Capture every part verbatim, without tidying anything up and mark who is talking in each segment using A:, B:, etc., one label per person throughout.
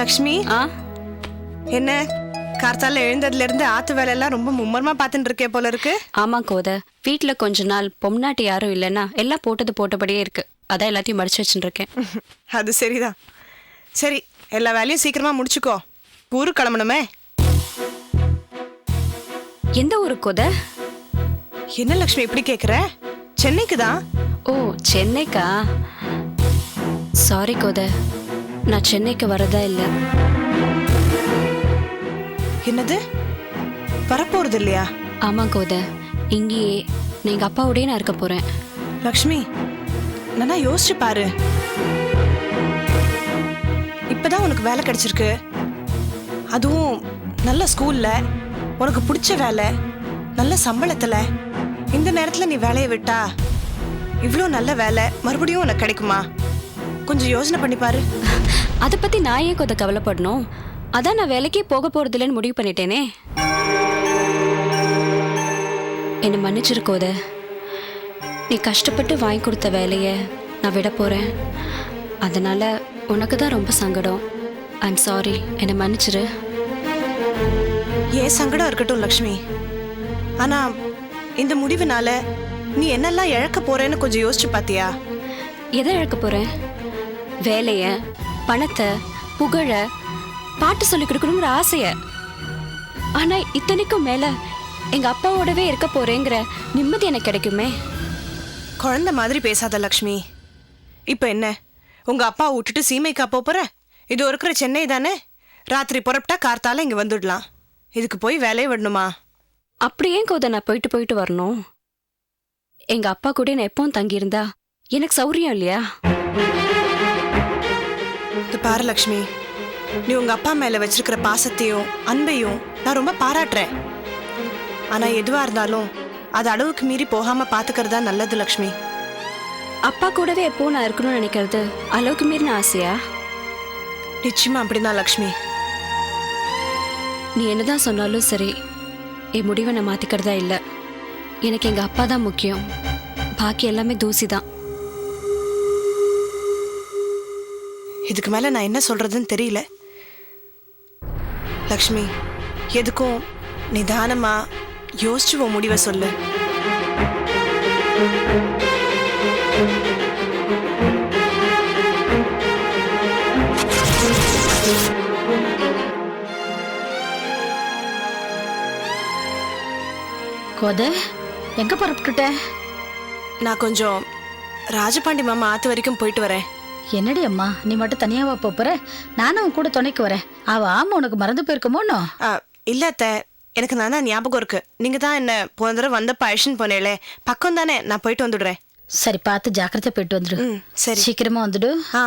A: லக்ஷ்மி,
B: ஆ
A: என்ன கார்த்தால எழுந்ததுல இருந்து ஆத்து வேலை எல்லாம் ரொம்ப மும்மரமா பாத்துட்டு இருக்கே போல இருக்கு.
B: ஆமா கோத, வீட்டுல கொஞ்ச நாள் பொம்னாட்டி யாரும் இல்லைன்னா எல்லாம் போட்டது போட்டபடியே இருக்கு. அதான் எல்லாத்தையும் மடிச்சு வச்சுட்டு இருக்கேன்.
A: அது சரிதான். சரி, எல்லா வேலையும் சீக்கிரமா முடிச்சுக்கோ, ஊருக்கு கிளம்பணுமே.
B: எந்த ஊருக்கு கோத?
A: என்ன லக்ஷ்மி இப்படி கேக்குற? சென்னைக்கு தான்.
B: ஓ சென்னைக்கா? சாரி கோத, நான் சென்னைக்கு வரதா இல்லை.
A: என்னது, வரப்போறது இல்லையா?
B: ஆமா கோத, இங்கேயே எங்க அப்பாவோடய நான் இருக்க போறேன்.
A: லக்ஷ்மி, நானா யோசிச்சு பாரு. இப்பதான் உனக்கு வேலை கிடைச்சிருக்கு, அதுவும் நல்ல ஸ்கூல்ல, உனக்கு பிடிச்ச வேலை, நல்ல சம்பளத்துல. இந்த நேரத்துல நீ வேலையை விட்டா இவ்வளோ நல்ல வேலை மறுபடியும் உனக்கு கிடைக்குமா? கொஞ்சம் யோசனை பண்ணி பாரு.
B: அதை பத்தி நான் ஏன் கோத கவலைப்படணும்? அதான் நான் வேலைக்கே போக போறது இல்லைன்னு முடிவு பண்ணிட்டேனே. என்னை மன்னிச்சிருக்கோத, நீ கஷ்டப்பட்டு வாங்கி கொடுத்த வேலையை நான் விட போறேன். அதனால உனக்கு தான் ரொம்ப சங்கடம். ஐம் சாரி, என்னை மன்னிச்சிரு.
A: ஏன் சங்கடம் இருக்கட்டும் லக்ஷ்மி, ஆனா இந்த முடிவுனால நீ என்னெல்லாம் இழக்க போறேன்னு கொஞ்சம் யோசிச்சு பாத்தியா?
B: எதை இழக்க போறேன்? வேலைய, பணத்தை, புகழ, பாட்டு சொல்லி கொடுக்கணுங்கிற ஆசைய. ஆனா இத்தனைக்கும் மேல எங்க அப்பாவோடவே இருக்க போறேங்கிற நிம்மதி எனக்கு கிடைக்குமே.
A: குழந்தை மாதிரி பேசாத லக்ஷ்மி. இப்ப என்ன, உங்க அப்பா விட்டுட்டு சீமைக்கா போற? இது இருக்கிற சென்னை தானே, ராத்திரி புறப்பட்டா கார்த்தால இங்க வந்துடலாம். இதுக்கு போய் வேலையை விடணுமா?
B: அப்படியே கோத நான் போயிட்டு போயிட்டு வரணும்? எங்க அப்பா கூட நான் எப்பவும் தங்கியிருந்தா எனக்கு சௌரியம் இல்லையா?
A: இது பாரு லக்ஷ்மி, நீ உங்க அப்பா மேல வச்சிருக்கிற பாசத்தையும் அன்பையும் நான் ரொம்ப பாராட்டுறேன். ஆனா எதுவா இருந்தாலும் அது அளவுக்கு மீறி போகாம பாத்துக்கிறதா நல்லது லக்ஷ்மி.
B: அப்பா கூடவே எப்போ நான் இருக்கணும்னு நினைக்கிறது அளவுக்கு மீறின ஆசையா?
A: நிச்சயமா அப்படிதான் லக்ஷ்மி.
B: நீ என்னதான் சொன்னாலும் சரி, என் முடிவை நான் மாத்திக்கிறதா இல்லை. எனக்கு எங்க அப்பா தான் முக்கியம், பாக்கி எல்லாமே தூசி தான்.
A: இதுக்கு மேல நான் என்ன சொல்றதுன்னு தெரியல லக்ஷ்மி. எதுக்கும் நிதானமா யோசிச்சு உன் முடிவை சொல்லு.
C: கோத, எங்க புறப்பட்டுட்ட?
A: நான் கொஞ்சம் ராஜபாண்டி மாமா ஆத்து வரைக்கும் போயிட்டு வரேன்.
C: என்னடி அம்மா, நீ மட்டும் தனியாவா போற? நானும் உன் கூட துணைக்கு வரேன். அவ ஆமா உனக்கு மறந்து போயிருக்குமோனோ?
A: இல்ல அத்தை, எனக்கு நான் தான் ஞாபகம் இருக்கு. நீங்க தான் என்ன போன தடவை வந்தப்ப அழிச்சுன்னு போனேலே, பக்கம் தானே, நான் போயிட்டு வந்துடுறேன்.
C: சரி, பார்த்து ஜாக்கிரதை போயிட்டு வந்துடு.
A: ம் சரி,
C: சீக்கிரமா வந்துடு.
A: ஆ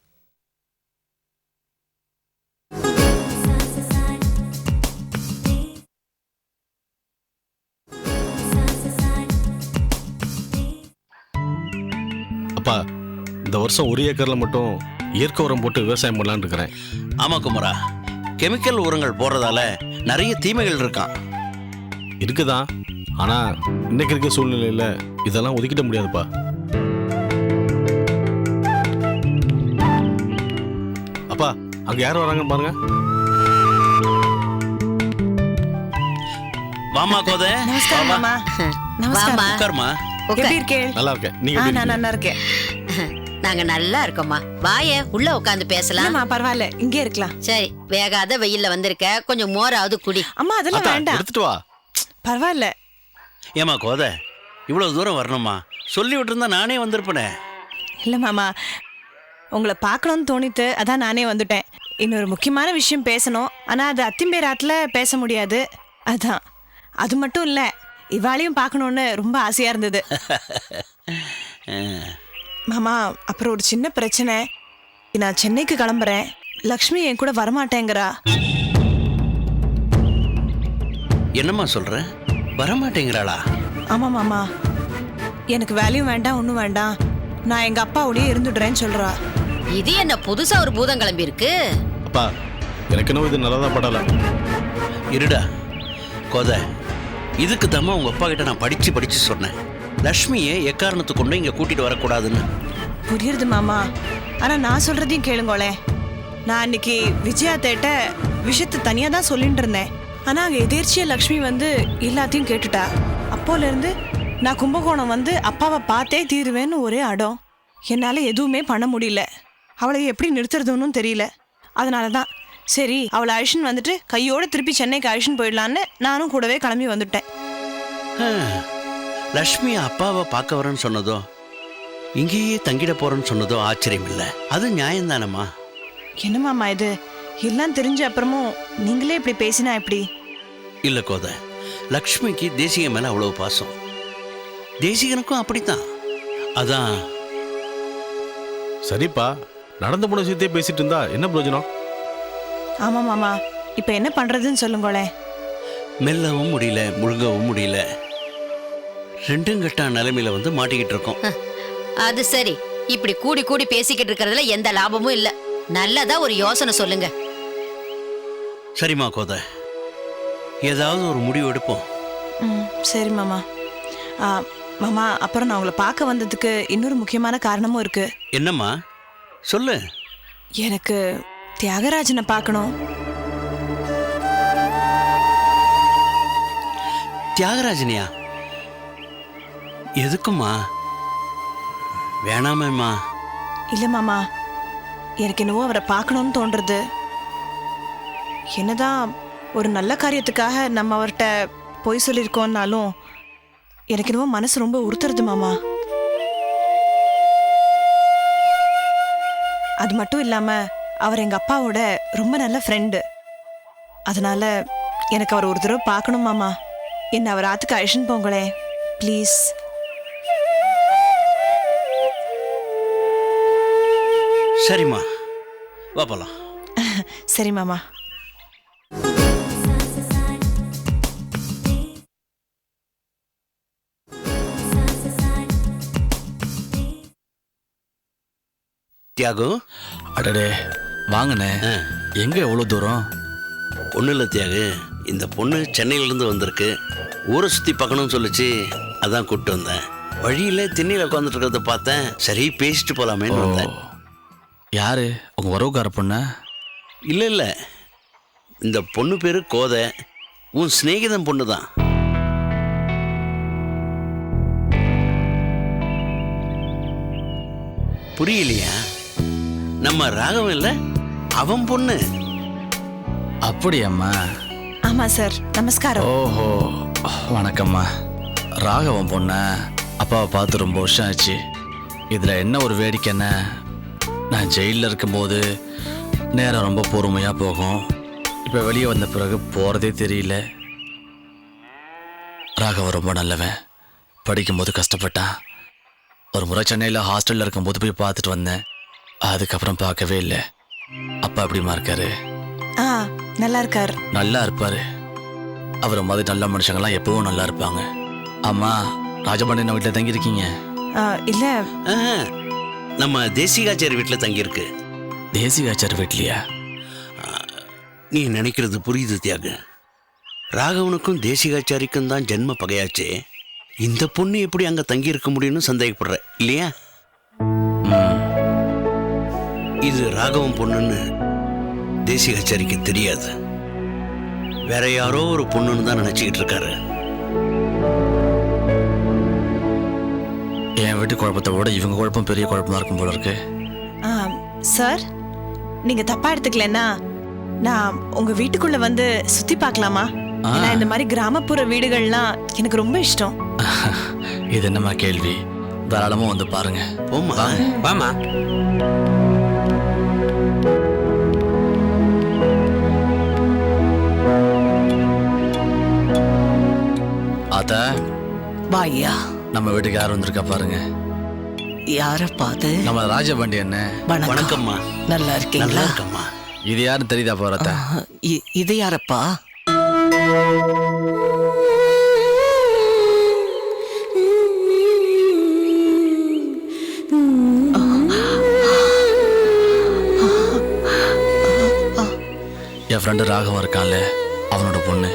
D: அப்பா, இந்த வருஷம் ஒரு ஏக்கர்ல மட்டும் இயற்கை உரம் போட்டு விவசாயம் பண்ணலான்னு இருக்கிறேன்.
E: ஆமா குமரா, கெமிக்கல் உரங்கள் போடுறதால நிறைய தீமைகள் இருக்கான்.
D: இருக்குதான், ஆனா இன்னைக்கு இருக்க சூழ்நிலையில இதெல்லாம் ஒதுக்கிட முடியாதுப்பா. அப்பா, அங்க யார் வராங்கன்னு பாருங்க.
E: வாமா கோத.
A: நமஸ்காரம் மாமா. நமஸ்காரம்.
E: உட்காருமா.
A: எப்படி இருக்கே?
D: நல்லா இருக்கேன், நீங்க
A: ஆ,
D: எப்படி
A: நான்
D: இருக்கீங்க?
A: நல்லா இருக்கேன்.
F: நாங்க நல்லா இருக்கோம்மா. வாய உள்ள உட்காந்து பேசலாம்.
A: இல்லம்மா, பரவாயில்ல, இங்கே இருக்கலாம்.
F: சரி, வேகாத வெயில்ல வந்திருக்க, கொஞ்சம் மோராவது குடி.
A: அம்மா அதெல்லாம்
D: அத்தா,
A: வேண்டாம்,
D: எடுத்துட்டு வா.
A: பரவாயில்ல.
E: ஏமா கோத, இவ்வளவு தூரம் வரணுமா? சொல்லி விட்டுருந்தா நானே வந்திருப்பேனே.
A: இல்ல மாமா, உங்களை பார்க்கணும்னு தோணித்து, அதான் நானே வந்துட்டேன். இன்னொரு முக்கியமான விஷயம் பேசணும், ஆனா அது அத்திம்பேராத்துல பேச முடியாது. அதான். அது மட்டும் இல்ல, இவாளையும் பார்க்கணும்னு ரொம்ப ஆசையா இருந்தது. மாமா, அப்புறம் ஒரு சின்ன பிரச்சனை. நான் சென்னைக்கு கிளம்புறேன், லக்ஷ்மி என் கூட வரமாட்டேங்கிறா.
E: என்னம்மா சொல்ற? வரமாட்டேங்கிறாளா?
A: ஆமா மாமா, எனக்கு வேலையும் வேண்டாம் ஒன்றும் வேண்டாம், நான் எங்க அப்பாவோடய இருந்துடுறேன்னு சொல்றா.
F: இது என்ன புதுசா ஒரு பூதம் கிளம்பி இருக்கு?
D: அப்பா, எனக்கு என்ன இது நல்லதா படல.
E: இருடா கோத, இதுக்கு தாம்மா உங்க அப்பா கிட்ட நான் படிச்சு படிச்சு சொன்னேன், லக்ஷ்மியை எக்காரணத்தை கொண்டு இங்க கூட்டிட்டு வரக்கூடாதுன்னு.
A: புரியுது மாமா, ஆனா நான் சொல்றதையும் கேளுங்களே. நான் அன்னைக்கு விஜயா தேட்ட விஷயத்தை தனியாக தான் சொல்லிட்டு இருந்தேன். ஆனால் அங்கே எதேர்ச்சியா லக்ஷ்மி வந்து எல்லாத்தையும் கேட்டுட்டா. அப்போலேருந்து நான் கும்பகோணம் வந்து அப்பாவை பார்த்தே தீருவேன்னு ஒரே அடம். என்னால் எதுவுமே பண்ண முடியல. அவளை எப்படி நிறுத்துறதுன்னு தெரியல. அதனால தான் சரி அவளை அழிச்சுன்னு வந்துட்டு கையோடு திருப்பி சென்னைக்கு அழிச்சுன்னு போயிடலான்னு நானும் கூடவே கிளம்பி வந்துட்டேன்.
E: லக்ஷ்மி அப்பாவை பார்க்க வரேன்னு சொன்னதோ இங்கேயே தங்கிட போறேன்னு சொன்னதோ ஆச்சரியம் இல்லை. அது நியாயம்தானம்மா.
A: என்னமாம்மா இது? எல்லாம் தெரிஞ்ச அப்புறமும் நீங்களே இப்படி பேசினா எப்படி?
E: இல்லை கோதை, லக்ஷ்மிக்கு தேசிக மேலே அவ்வளோ பாசம், தேசிகனுக்கும் அப்படித்தான். அதான்.
D: சரிப்பா, நடந்து போன விஷயத்தையே பேசிட்டு இருந்தா என்ன பிரயோஜனம்?
A: ஆமாம் மாமா, இப்போ என்ன பண்ணுறதுன்னு சொல்லுங்களேன்.
E: மெல்லவும் முடியல, முழுங்கவும் முடியல. ரெண்டும் கட்டா நிலைமையில வந்து மாட்டிக்கிட்டு இருக்கோம்.
F: அது சரி, இப்படி கூடி கூடி பேசிக்கிட்டு இருக்கிறதுல எந்த லாபமும் இல்ல. நல்லதா ஒரு யோசனை சொல்லுங்க.
E: சரிம்மா கோதை, ஏதாவது ஒரு முடிவு எடுப்போம்.
A: ம் சரி மாமா. ஆ, மாமா, அப்புறம் நான் உங்களை பார்க்க வந்ததுக்கு இன்னொரு முக்கியமான காரணமும் இருக்கு.
E: என்னம்மா சொல்லு.
A: எனக்கு தியாகராஜனை பார்க்கணும்.
E: தியாகராஜனியா? எதுக்குமா? வேணாமேம்மா.
A: இல்லை மாமா, எனக்கு என்னவோ அவரை பார்க்கணும்னு தோன்றுறது. என்னதான் ஒரு நல்ல காரியத்துக்காக நம்ம அவர்கிட்ட போய் சொல்லியிருக்கோம்னாலும் எனக்கு என்னவோ மனசு ரொம்ப உறுத்துறது மாமா. அது மட்டும் இல்லாமல் அவர் எங்கள் அப்பாவோட ரொம்ப நல்ல ஃப்ரெண்டு. அதனால எனக்கு அவர் ஒரு தடவை பார்க்கணும் மாமா. என்ன அவர் ஆத்துக்கு அழிச்சுன்னு போங்களே ப்ளீஸ்.
E: சரிம்மா, வா போலாம்.
A: சரி மாமா.
E: தியாகு.
G: அடடே வாங்கண்ணே. எங்க எவ்வளவு தூரம்?
E: ஒன்றும் இல்லை தியாகு, இந்த பொண்ணு சென்னையிலேருந்து வந்திருக்கு. ஊரை சுற்றி பார்க்கணும்னு சொல்லிச்சு, அதான் கூப்பிட்டு வந்தேன். வழியில் திண்ணையில் உட்காந்துட்டு இருக்கிறத பார்த்தேன். சரி பேசிட்டு போகலாமேன்னு வந்தேன்.
G: யாரு உங்க உறவுக்கார பொண்ணா?
E: இல்லை இல்லை, இந்த பொண்ணு பேர் கோதை, உன் சிநேகிதம் பொண்ணு தான். புரியலையா? நம்ம ராகவன் இல்லை, அவன் பொண்ணு.
G: அப்படியம்மா?
A: ஆமாம் சார், நமஸ்காரம்.
G: ஓஹோ, வணக்கம்மா. ராகவன் பொண்ணா? அப்பாவை பார்த்து ரொம்ப வருஷம் ஆச்சு. இதில் என்ன ஒரு வேடிக்கைன்னா, நான் ஜெயிலில் இருக்கும்போது நேரம் ரொம்ப பொறுமையாக போகும். இப்போ வெளியே வந்த பிறகு போகிறதே தெரியல. ராகவன் ரொம்ப நல்லவன். படிக்கும்போது கஷ்டப்பட்டான். ஒரு முறை சென்னையில் ஹாஸ்டலில் இருக்கும்போது போய் பார்த்துட்டு வந்தேன். அதுக்கப்புறம் பார்க்கவே இல்லை. அப்பா எப்படிமா இருக்காரு?
A: ஆ, நல்லா இருக்கார்.
G: நல்லா இருப்பாரு. அவரை மாதிரி நல்ல மனுஷங்கள்லாம் எப்பவும் நல்லா இருப்பாங்க. அம்மா, ராஜபாண்டியன் வீட்டில் தங்கியிருக்கீங்க?
A: இல்லை,
E: ஆஹா, நம்ம தேசிகாச்சாரி வீட்டில் தங்கியிருக்கு.
G: தேசிகாச்சார் வீட்லையா?
E: நீ நினைக்கிறது புரியுது தியாகு. ராகவனுக்கும் தேசிகாச்சாரிக்கும் தான் ஜென்ம பகையாச்சே. இந்த பொண்ணு எப்படி அங்கே தங்கியிருக்க முடியும்னு சந்தேகப்படுற இல்லையா? இது ராகவன் பொண்ணுன்னு தேசிகாச்சாரிக்கு தெரியாது. வேற யாரோ ஒரு பொண்ணுன்னு தான் நினைச்சுக்கிட்டு இருக்காரு.
G: என் வீட்டு குழப்பத்தை விட இவங்க குழப்பம் பெரிய குழப்பமா இருக்கும் போல இருக்கு.
A: சார், நீங்க தப்பா எடுத்துக்கலன்னா நான் உங்க வீட்டுக்குள்ள வந்து சுத்தி பார்க்கலாமா? ஏன்னா இந்த மாதிரி கிராமப்புற வீடுகள்லாம் எனக்கு ரொம்ப இஷ்டம்.
G: இது என்னம்மா கேள்வி? தாராளமா வந்து பாருங்க.
E: போமா வாமா.
G: ஆத்தா,
H: வாயா.
G: நம்ம வீட்டுக்கு யார் வந்திருக்கா பாருங்க.
H: யாரப்பா அது?
G: நம்ம ராஜபாண்டி என்ன.
E: வணக்கம்மா.
H: நல்லா இருக்கீங்களா?
E: நல்லா இருக்கம்மா.
G: இது யாருன்னு தெரியுதா போறத?
H: இது யாரப்பா?
G: என் ஃப்ரெண்டு ராகவன் இருக்கான்ல, அவனோட பொண்ணு.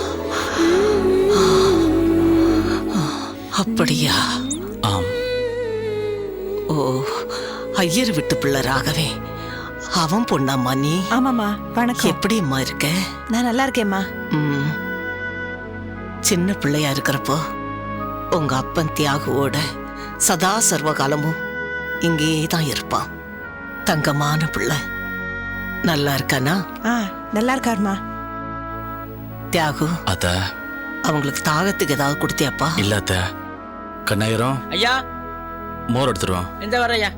H: அப்படியா?
G: ஆம்.
H: ஓ, ஐயர் விட்டு பிள்ளை ராகவே. அவன் பொண்ணாம்மா நீ?
A: ஆமாம்மா வணக்கம்.
H: எப்படிம்மா இருக்க?
A: நான் நல்லா இருக்கேம்மா.
H: ம். சின்ன பிள்ளையா இருக்கிறப்போ உங்க அப்பன் தியாகுவோட சதா சர்வகாலமும் இங்கேயே தான் இருப்பான். தங்கமான பிள்ளை. நல்லா இருக்கானா?
A: ஆ நல்லா இருக்காருமா.
H: தியாகு,
G: அத்த
H: அவங்களுக்கு தாகத்துக்கு ஏதாவது கொடுத்தியாப்பா?
G: இல்ல அத்த. கண்ணாயிரம்
I: ஐயா
G: மோர் எடுத்துருவோம்.
I: இந்த வரையா.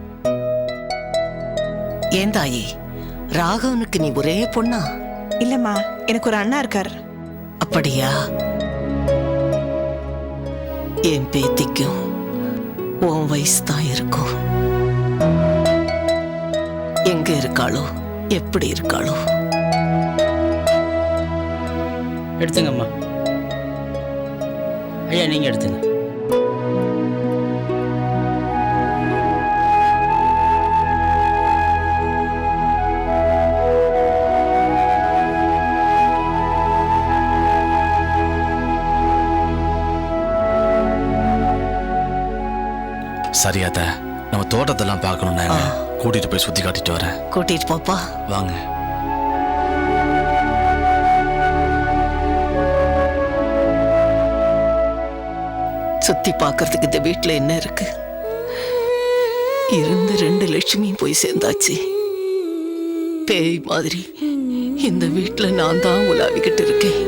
H: ஏன் தாயி, ராகவனுக்கு நீ ஒரே பொண்ணா?
A: இல்லம்மா, எனக்கு ஒரு அண்ணா இருக்கார்.
H: அப்படியா? என் பேத்திக்கும் உன் வயசு தான் இருக்கும். எங்க இருக்காளோ, எப்படி இருக்காளோ?
I: எடுத்துங்கம்மா. ஐயா நீங்க எடுத்துங்க.
G: சரியாத்த, நம்ம தோட்டத்தெல்லாம் பார்க்கணும்னா கூட்டிட்டு போய் சுத்தி காட்டிட்டு வரேன்.
H: கூட்டிட்டு போப்பா.
G: வாங்க.
H: சுத்தி பார்க்கறதுக்கு இந்த வீட்டுல என்ன இருக்கு? இருந்த ரெண்டு லட்சுமியும் போய் சேர்ந்தாச்சு. பேய் மாதிரி இந்த வீட்டுல நான் தான் உலாவிக்கிட்டு இருக்கேன்.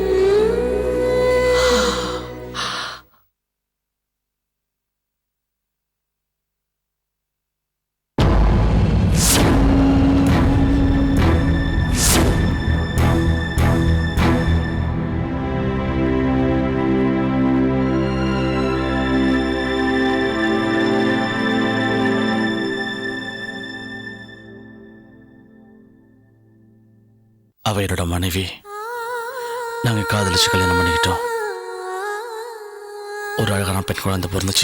G: அவ என்னோட மனைவி. நாங்க காதலிச்சு கல்யாணம் பண்ணிக்கிட்டோம். ஒரு அழகான பெண் குழந்தை பிறந்துச்சு.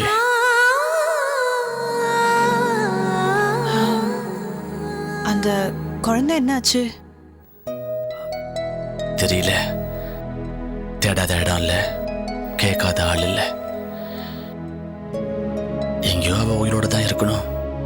A: அந்த குழந்தை என்னாச்சு?
G: தெரியல. தேடாத இடம் இல்ல, கேட்காத ஆள் இல்ல. எங்கேயோ அவ உயிரோட தான் இருக்கணும்.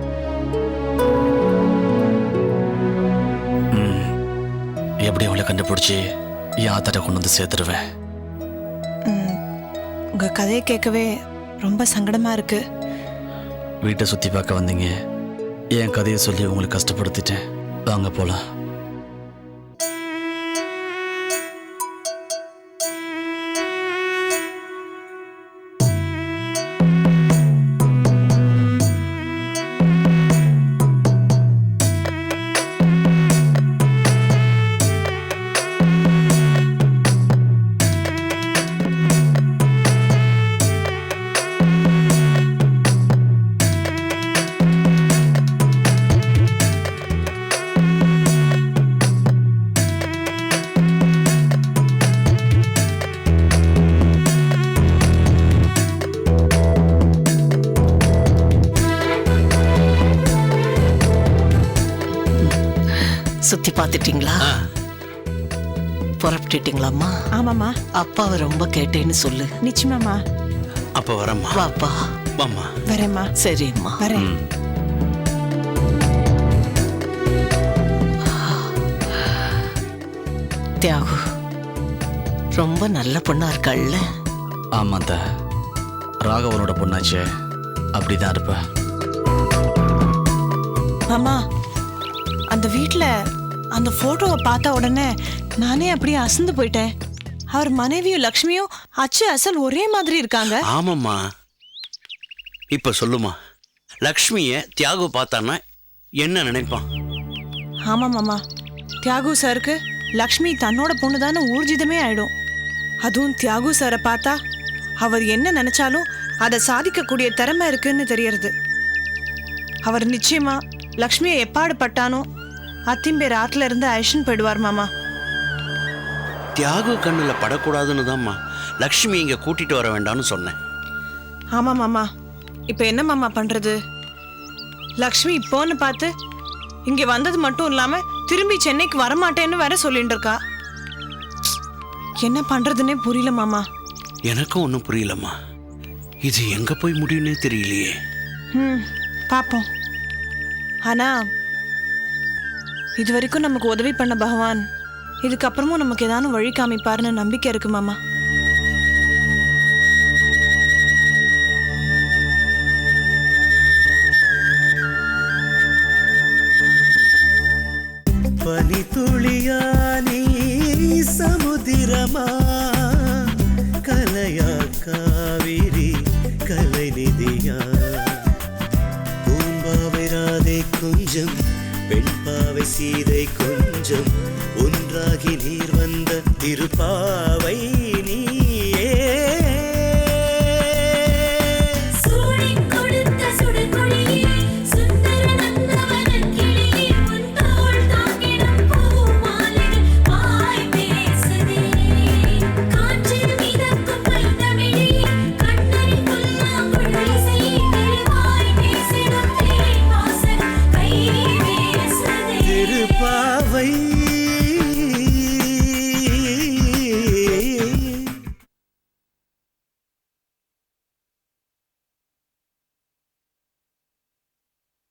G: ம், எப்படி அவளை கண்டுபிடிச்சி என் ஆத்தாட்ட கொண்டு வந்து சேர்த்துருவேன்.
A: ம், உங்க கதையை கேட்கவே ரொம்ப சங்கடமா இருக்கு.
G: வீட்டை சுத்தி பார்க்க வந்தீங்க, என் கதையை சொல்லி உங்களுக்கு கஷ்டப்படுத்திட்டேன். வாங்க போலாம்.
H: சுத்தி பார்த்துட்டீங்களா? புறப்பட்டுட்டீங்களாம்மா?
A: ஆமாம்மா.
H: அப்பாவை ரொம்ப கேட்டேன்னு சொல்லு.
A: நிச்சயமாம்மா.
E: அப்ப வரம்மா.
H: வாப்பா.
E: வாம்மா.
A: வரேம்மா.
H: சரிம்மா.
A: வரேன்.
H: தியாகு ரொம்ப நல்ல பொண்ணா இருக்காள்ல?
G: ஆமாந்த, ராகவனோட பொண்ணாச்சே, அப்படிதான் இருப்ப.
A: மாமா, அந்த வீட்ல அந்த போட்டோவை பார்த்த உடனே நானே அப்படியே அசந்து போயிட்டேன். அவர் மனைவியும் லக்ஷ்மியும் அச்சு அசல் ஒரே மாதிரி இருக்காங்க.
E: ஆமாம்மா. இப்ப சொல்லுமா, லக்ஷ்மிய தியாகு பார்த்தான்னா என்ன நினைப்பான்?
A: ஆமா மாமா, தியாகு சாருக்கு லக்ஷ்மி தன்னோட பொண்ணுதானே ஊர்ஜிதமே ஆயிடும். அதுவும் தியாகு சாரை பார்த்தா அவர் என்ன நினைச்சாலும் அதை சாதிக்கக்கூடிய திறமை இருக்குன்னு தெரியறது. அவர் நிச்சயமா லக்ஷ்மியை எப்பாடு பட்டானோ அத்திம்பேர் ஆத்துல இருந்து அழிச்சுன்னு போயிடுவார் மாமா.
E: தியாகு கண்ணுல படக்கூடாதுன்னு தான்மா லக்ஷ்மி இங்க கூட்டிட்டு வர வேண்டாம்னு சொன்னேன்.
A: ஆமா மாமா, இப்ப என்ன மாமா பண்றது? லக்ஷ்மி இப்போன்னு பார்த்து இங்க வந்தது மட்டும் இல்லாம திரும்பி சென்னைக்கு வரமாட்டேன்னு வேற சொல்லிட்டு இருக்கா. என்ன பண்றதுன்னே புரியல மாமா.
E: எனக்கும் ஒன்றும் புரியலம்மா. இது எங்க போய் முடியும்னே தெரியலையே.
A: ம், பாப்போம். ஆனா இது வரைக்கும் நமக்கு உதவி பண்ண பகவான் இதுக்கப்புறமும் நமக்கு ஏதானும் வழி காமிப்பாருன்னு நம்பிக்கை இருக்கு மாமா.
J: பனி துளியா நீ சமுதிரமா கலையா காவிரி கலை நிதியா பூம்பாவை ராதை கொஞ்சம் பெண்பாவை சீதை கொஞ்சம் ஒன்றாகி நீர் வந்த திருப்பாவை